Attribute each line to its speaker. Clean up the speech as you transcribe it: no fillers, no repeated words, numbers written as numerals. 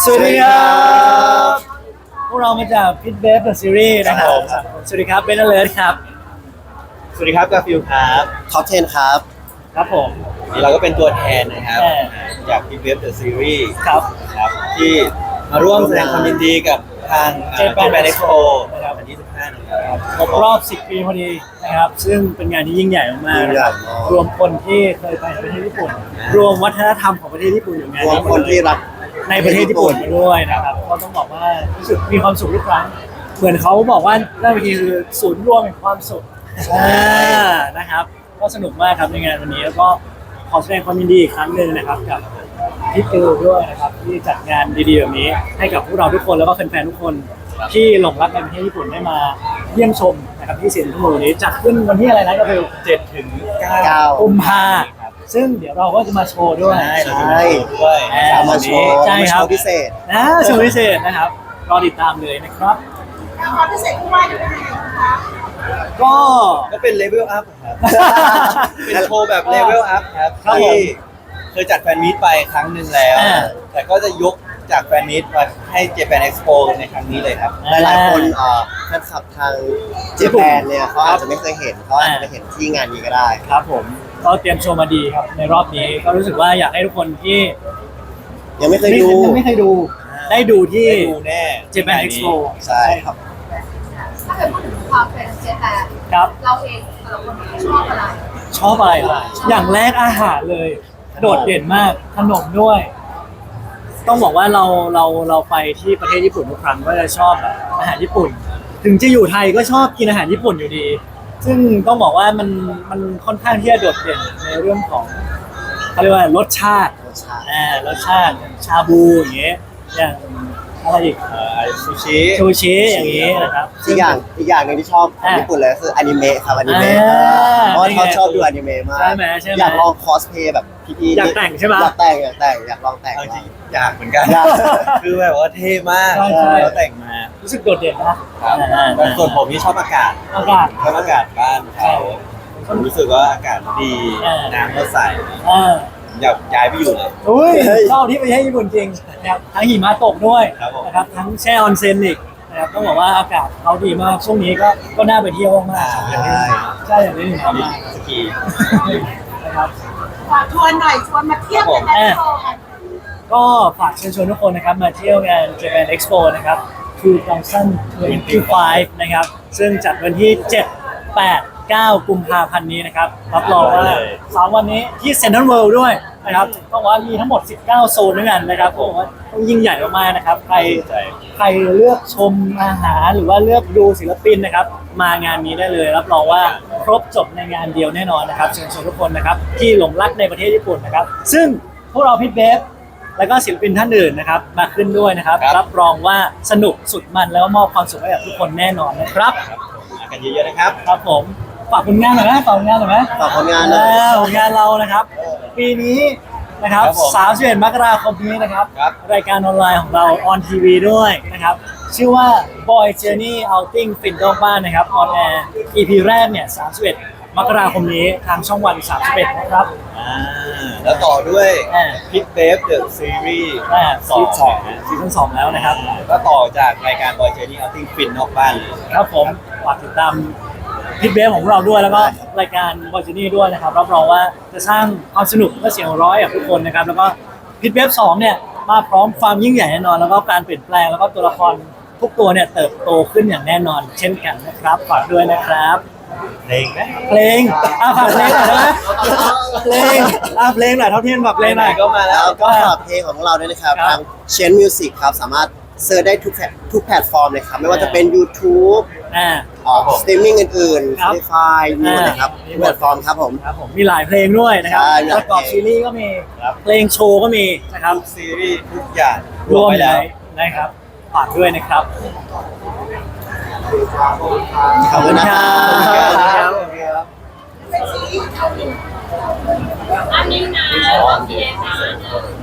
Speaker 1: สวัสดีครับพวกเรามาจากพิทเบฟเดอะซีรีส์นะครับสวัสดีครับเบนเลิร์ดครับ
Speaker 2: สวัสดีครับกาฟิลครับ
Speaker 3: ท็อป10ครับ
Speaker 1: ครับผม
Speaker 2: นี่เราก็เป็นตัวแทนนะครับจากพีเวฟเดอะซีรีส์
Speaker 1: ครับ
Speaker 2: ที่มาร่วมแสดงความยินดีกับทางเจแปนเอ็กซ์โป
Speaker 1: นะครับ
Speaker 2: วันที่15นะครับ
Speaker 1: ครบรอบ 10 ปีพอดีนะครับซึ่งเป็นงานที่ยิ่งใหญ่มากๆนะครับรวมคนที่เคยไปประเทศญี่ปุ่นรวมวัฒนธรรมของประเทศญี่ปุ่นอยู่งาน
Speaker 3: รวม
Speaker 1: นี้
Speaker 3: คนที่รัก
Speaker 1: ในประเทศญี่ปุ่นด้วยนะครับก็ต้องบอกว่ารู้สึกมีความสุขทุกครั้งเหมือนเขาบอกว่าหน้าเวทีคือศูนย์รวมแห่งความสุขนะครับก็สนุกมากครับในงานวันนี้แล้วก็ขอแสดงความยินดีอีกครั้งหนึ่งนะครับกับพี่ติวด้วยนะครับที่จัดงานดีๆแบบนี้ให้กับพวกเราทุกคนแล้วก็แฟนๆทุกคนที่หลงรักในประเทศญี่ปุ่นได้มาเยี่ยมชมนะครับที่เซ็นทรัลเวิลด์นี้จัดขึ้นวันที่อะไรนะก็คือ
Speaker 2: 7 ถึง 9
Speaker 1: กุมภาซึ่งเดี๋ยวเราก็จะมาโชว์ด้วย
Speaker 2: ด้วย
Speaker 3: มาโชว์
Speaker 1: ใช่ครับ
Speaker 3: พิเศษ
Speaker 1: โชว์พิเศษนะครับรอติดตามเลยนะครับ
Speaker 4: ความพิเศษที่ว่าอยู่ในไหนคะ
Speaker 1: ก็
Speaker 2: เป็นเลเวลอัพครับเป็นโชว์แบบเลเวลอัพครับที่เคยจัดแฟนมีตไปครั้งหนึ่งแล้วแต่ก็จะยกจากแฟนมีตมาให้เจแปนเอ็กซ์โปในครั้งนี้เลยครับ
Speaker 3: หลายๆคนแฟนคลับทางเจแปนเนี่ยเขาอาจจะไม่เคยเห็นเขาอาจจะไปเห็นที่งานนี้ก็ได้
Speaker 1: ครับผมก็เตรียมโชว์มาดีครับในรอบนี้ก็รู้สึกว่าอยากให้ทุกคนที่
Speaker 3: ยังไม่เคยดู
Speaker 1: ได้ดูที่
Speaker 2: แน่
Speaker 1: Japan Expo
Speaker 3: ใช่ครับ
Speaker 4: ถ้าเกิดพูดถึงความเป็นเจแปน
Speaker 1: ครับ
Speaker 4: เราเองแต่ละคนชอบอะไร
Speaker 1: ชอบอะไรอย่างแรกอาหารเลยโดดเด่นมากขนมด้วย ต้องบอกว่าเราไปที่ประเทศญี่ปุ่นทุกครั้งก็จะชอบแบบอาหารญี่ปุ่น ถึงจะอยู่ไทยก็ชอบกินอาหารญี่ปุ่นอยู่ดี ซึ่งต้องบอกว่ามันค่อนข้างที่จะโดดเด่นในเรื่องของเขาเรียกว่ารสชาติรสชาติชาบูอย่างเงี้ยอย่างอะไรอีก
Speaker 2: ซู
Speaker 1: ชิอย่างงี้นะครับ
Speaker 3: อีกอย่างหนึ่งที่ชอบของญี่ปุ่นเลยคืออนิเมะครับอนิเมะเพราะเขาชอบดูอนิเมะมากอยากลองคอสเพย์แบบพี่
Speaker 1: อยากแต่งใช่ไหม
Speaker 3: อยากแต่งอยากลองแต่ง
Speaker 2: จริงอยากเหมือนกันคือแบบว่าเท่มากเขาแต่งมา
Speaker 1: รู้สึกโดดเด่นนะ
Speaker 2: ส่วนผมที่ชอบอากาศชอบอากาศบ้านเขาผมรู้สึกว่าอากาศดีน้ำก็ใสอยากย้ายไปอยู่เลย
Speaker 1: ชอบที่ประเทศญี่ปุ่นจริงนะครับทั้งหิมะตกด้วยนะครับทั้งแช่ออนเซ็นอีกนะครับต้องบอกว่าอากาศเขาดีมากช่วงนี้ก็น่าไปเที่ยวมากใช่อย่างนี้ถึงมา
Speaker 2: สกี
Speaker 1: นะครับ
Speaker 4: ชวนหน่อยชวนมาเที่ยวกันนะ
Speaker 1: ก็ฝากเชิญชวนทุกคนนะครับมาเที่ยวงาน Japan Expo นะครับ2025นะครับซึ่งจัดวันที่7 8 9 กุมภาพันธ์นี้นะครับรับรองว่า3วันนี้ที่เซ็นทรัลเวิลด์ด้วยนะครับต้องว่ามีทั้งหมด19โซนด้วยกันนะครับผมว่าต้องยิ่งใหญ่มากๆนะครับใครเลือกชมอาหารหรือว่าเลือกดูศิลปินนะครับมางานนี้ได้เลยรับรองว่าครบจบในงานเดียวแน่นอนนะครับเชิญชวนทุกคนนะครับที่หลงรักในประเทศญี่ปุ่นนะครับซึ่งพวกเราพิทเบฟแล้วก็ศิลปินท่านอื่นนะครับมาขึ้นด้วยนะครับรับรองว่าสนุกสุดมันแล้วก็มอบความสุขให้กับทุกคนแน่นอนนะครับ
Speaker 2: มากันเยอะๆนะครับ
Speaker 1: ครับผมฝากผลงานหน่อยไหมฝากผลงานผลงานเรานะครับปีนี้นะครับ31 มกราคมนี้นะครับรายการออนไลน์ของเราออนทีวีด้วยนะครับชื่อว่า Boy Journey Outing ฟินนอกบ้านนะครับออนแอร์ EP แรกเนี่ย31 มกราคมนี้ทางช่องวัน31นะครับ
Speaker 2: แล้วต่อด้วยพิทเบฟเดอะซีรีส์
Speaker 1: ซีซั่น 2แล้วนะครับ
Speaker 2: ก็ต่อจากรายการ Boy Journey Outing ฟินนอกบ้านเลย
Speaker 1: ครับผมฝากติดตามพิทเบฟของเราด้วยแล้วก็รายการบอยจูนี่ด้วยนะครับรับรองว่าจะสร้างความสนุกและเสียงร้อยกับทุกคนนะครับแล้วก็พิทเบฟ2เนี่ยมาพร้อมความยิ่งใหญ่แน่นอนแล้วก็การเปลี่ยนแปลงแล้วก็ตัวละครทุกตัวเนี่ยเติบโตขึ้นอย่างแน่นอนเช่นกันนะครับฝากด้วยนะครับ
Speaker 2: เพลงไหม
Speaker 1: เพลงฝากเพลงหน่อยนะเพลงหน่อยเท่าที่ฝากเพลงหน่อย
Speaker 3: ก็มาแล้วก็ฝากเพลงของเราด้วยนะครับทางเชนมิวสิกครับสามารถเซิร์ชได้ทุกแพลตฟอร์มเลยครับไม่ว่าจะเป็น YouTube สตรีมมิ่งอื่นๆ Spotify มีหมดนะครับแพลตฟอร์มครับผม
Speaker 1: มีหลายเพลงด้วยนะครับประกอบซีรีส์ก็มีเพลงโชว์ก็มีนะครับ
Speaker 2: ซีรีส์ทุกอย่าง
Speaker 1: รวมไปแล้วนะครับฝากด้วยนะครับ
Speaker 3: ขอบคุณครับ
Speaker 4: เป็นซีรีส์เกาหลีอันนี้นะโอเคนะ